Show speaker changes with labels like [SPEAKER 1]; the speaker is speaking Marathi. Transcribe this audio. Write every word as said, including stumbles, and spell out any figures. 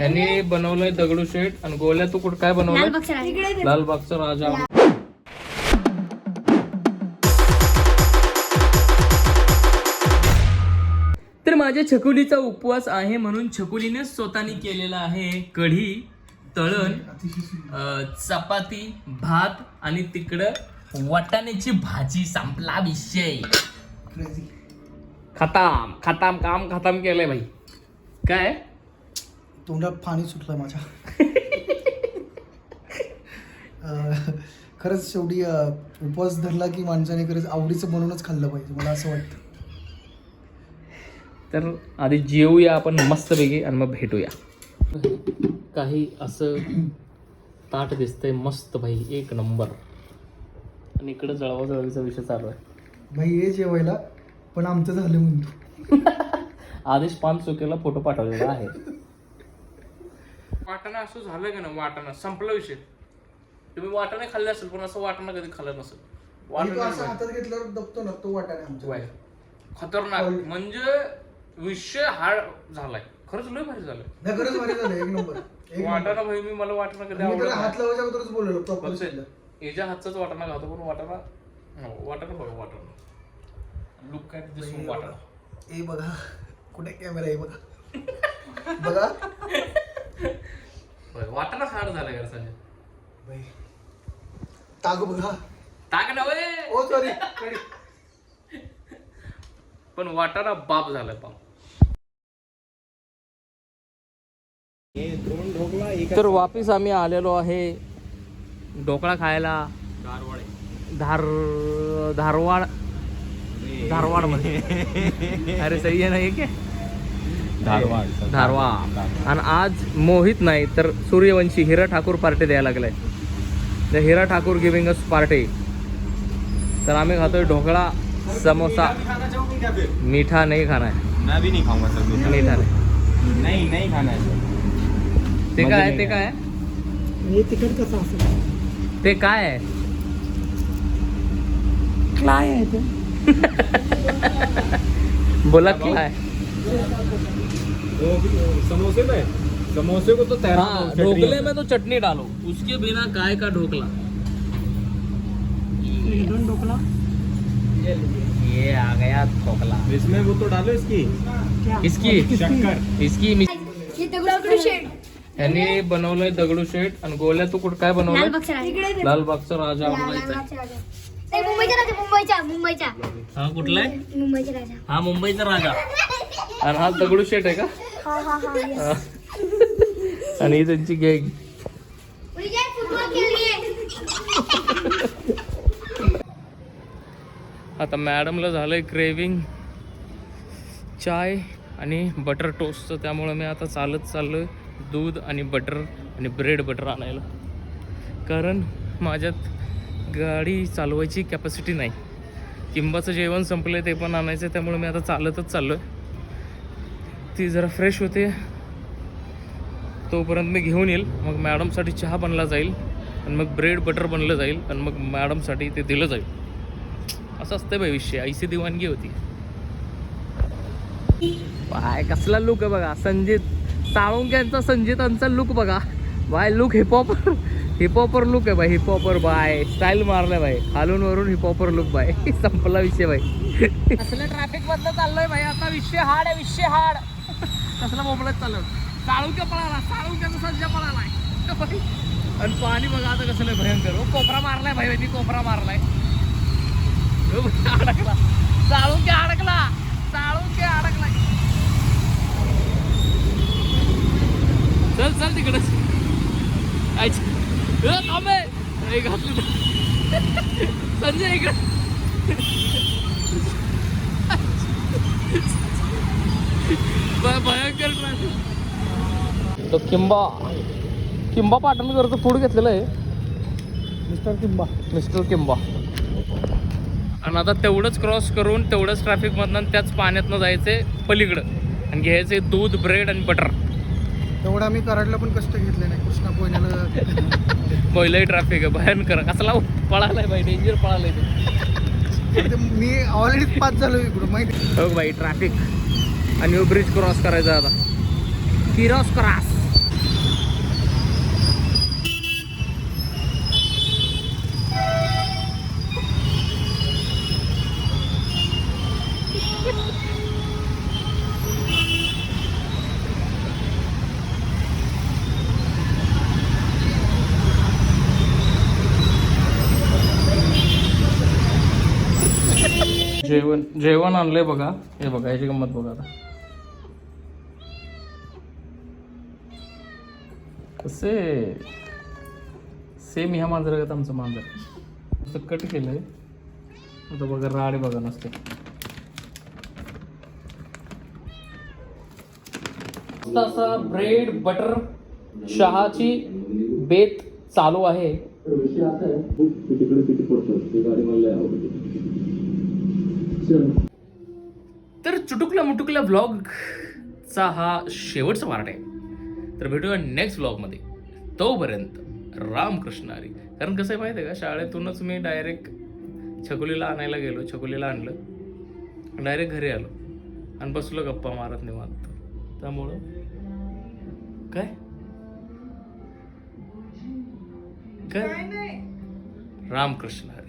[SPEAKER 1] यांनी बनवलंय दगडूशेठ आणि गोल्या तू कुठं काय बनवलंय? लालबागचा राजा. तर माझ्या छकुलीचा उपवास आहे म्हणून छकुलीने स्वतःने केलेला आहे कढी, तळण, चपाती, भात आणि तिकडं वाटाण्याची भाजी. संपला विषय. खताम खताम काम खताम केलंय भाई. काय
[SPEAKER 2] तोंडात पाणी सुटलं माझ्या. खरंच शेवटी उपवास धरला की माणसाने खरंच आवडीचं बनवूनच खाल्लं पाहिजे, मला असं वाटतं.
[SPEAKER 1] तर आधी जेवूया आपण मस्तपैकी आणि मग भेटूया. काही असं ताट दिसतंय मस्त भाई, एक नंबर. आणि इकडे जळवा जळवीचा विषय चालू आहे
[SPEAKER 2] भाई. हे जेवायला पण आमचं झालं म्हणतो.
[SPEAKER 1] आदेश पान चुकीला फोटो पाठवलेला आहे. वाटाणा असं झालं का ना, वाटाणा संपला विषय. तुम्ही वाटाणे खाल्ले असेल पण असं वाटाणा कधी खाल्लं नसेल.
[SPEAKER 2] वाटाणा असं हातात घेतल्यावर दबतो ना तो वाटाणा आमचा.
[SPEAKER 1] खतरनाक म्हणजे विषय हाड झालाय. खरंच लय भारी झालंय.
[SPEAKER 2] नाही खरंच भारी झालं, एक नंबर.
[SPEAKER 1] वाटाणा भाई मी मला वाटाणा कधी
[SPEAKER 2] मी तर
[SPEAKER 1] आवडत
[SPEAKER 2] हात लावायच्या अगोदरच बोललो प्रॉपर
[SPEAKER 1] नाही. याच्या हातचाच वाटाणा खातो पण वाटाणा वाटाणा बघा वाटाणा लुक काय दिसून वाटाणा.
[SPEAKER 2] ए बघा कुठे कॅमेरा आहे बघा. बघा
[SPEAKER 1] वाटाणा हाड झालाय का संजय
[SPEAKER 2] भाई. ताग बघा.
[SPEAKER 1] ताक नव्हे.
[SPEAKER 2] ओ सॉरी.
[SPEAKER 1] पण वाटाणा बाप झालाय बाप. तर वापिस आम्ही आलेलो आहे ढोकळा खायला. धार धारवाड धारवाड मध्ये. अरे सही आहे ना एक धारवाड धारवाड. आणि आज मोहित नाही तर सूर्यवंशी हिरा ठाकूर पार्टी द्यायला लागलाय. The Hira Thakur giving us party. तर आम्ही खातोय ढोकळा, समोसा. मीठा नहीं खाना है.
[SPEAKER 3] मैं भी नहीं खाऊंगा सर.
[SPEAKER 1] मीठा नहीं
[SPEAKER 3] नहीं नहीं खाना है.
[SPEAKER 1] ते काय आहे? ते काय आहे?
[SPEAKER 2] हे तिखट कसं असेल?
[SPEAKER 1] ते काय आहे?
[SPEAKER 2] काय आहे ते?
[SPEAKER 1] बोला काय?
[SPEAKER 3] समोसे में समोसे को तो तैरा
[SPEAKER 1] हाँ, ढोकले में तो चटनी डालो, उसके बिना काय का ढोकला.
[SPEAKER 2] ढोकला
[SPEAKER 1] ये आ गया ढोकला.
[SPEAKER 3] इसमें वो तो डालो इसकी
[SPEAKER 1] इसकी
[SPEAKER 3] शक्कर.
[SPEAKER 1] इसकी यांनी बनवलंय दगडूशेठ आणि गोल्या तू कुठं काय बनवलंय? लालबागचा राजा.
[SPEAKER 4] मुंबईचा राजा. मुंबईचा मुंबईचा
[SPEAKER 1] हा कुठला आहे?
[SPEAKER 4] मुंबईचा राजा.
[SPEAKER 1] हा मुंबईचा राजा. आणि हा दगडूशेठ आहे का?
[SPEAKER 4] हा हा हा
[SPEAKER 1] हा. आणि ही त्यांची गॅंग.
[SPEAKER 4] फुटबॉल खेळली.
[SPEAKER 1] आता मॅडमला झालंय क्रेविंग चाय आणि बटर टोस्टचं. त्यामुळे मी आता चालत चाललोय दूध आणि बटर आणि ब्रेड बटर आणायला. कारण माझ्यात गाडी चालवायची कॅपॅसिटी नाही. किंबाचं जेवण संपलं आहे ते पण आणायचं आहे. त्यामुळे मी आता चालतच चाललो आहे. ती जरा फ्रेश होते तोपर्यंत मी घेऊन येईल. मग मॅडमसाठी चहा बनला जाईल आणि मग ब्रेड बटर बनलं जाईल आणि मग मॅडमसाठी ते दिलं जाईल. असं असतं बाई विषय. ऐशी दिवाणगी होती. बाय कसला लुक आहे बघा. संजित साळुंक्यांचा संजितांचा लुक बघा बाय. लुक हिपहॉपर हिपहॉपर लुक आहे बाई. हिपहॉपर बाय. स्टाईल मारलाय बाई. खालून वरून हिपहॉपर लुक बाय. संपला विषय बाई. कसलं ट्रॅफिक मधलं चाललोय भाई आता. विषय हाड आहे विषय हाड. कसला मोबाईल चाललोय. साळुंक्या पळाला. साळुंक्याचा संजय पळालाय. आणि पाणी बघा आता कसलं भयंकर. हो कोपरा मारलाय भाई. ती कोपरा मारलाय. अडकला साळुंक्या अडकला. साळुंक्या अडकलाय. चल चल तिकडे थांबे घातली संजय इकडे. भयंकर ट्रॅफिक. तो किंबा किंबा पाटणकरचं फूड घेतलेलं आहे.
[SPEAKER 2] मिस्टर किंबा
[SPEAKER 1] मिस्टर किंबा. आणि आता तेवढंच क्रॉस करून तेवढंच ट्रॅफिकमधनं त्याच पाण्यातनं जायचे पलीकडं आणि घ्यायचे दूध ब्रेड आणि बटर.
[SPEAKER 2] तेवढं आम्ही कराडला पण कष्ट घेतले नाही. कृष्णा कोयनाला
[SPEAKER 1] पहिलंही ट्रॅफिक आहे भयंकर. कसला पळालाय बाई. डेंजर पळालाय ते.
[SPEAKER 2] मी ऑलरेडी पास झालो इकडून माहिती.
[SPEAKER 1] हो बाई ट्रॅफिक. आणि ब्रिज क्रॉस करायचा आता. Cross cross. जेवण जेवण आणलंय बघा. हे बघा याची गंमत बघा आता. कसे सेम ह्या मांजरागत आमचं मांजर. असं कट केलंय. आता बघा राडे बघा नसते. असा ब्रेड बटर चहाची बेत चालू आहे. तर चुटुकल्या मुटुकल्या व्लॉगचा हा शेवटचा पार्ट आहे. तर भेटूया नेक्स्ट व्लॉगमध्ये. तोपर्यंत रामकृष्ण हरी. कारण कसं आहे माहिती आहे का, शाळेतूनच मी डायरेक्ट छकुलीला आणायला गेलो. छकुलीला आणलं, डायरेक्ट घरी आलो आणि बसलो गप्पा मारत निवांत. त्यामुळं काय काय रामकृष्ण हरी.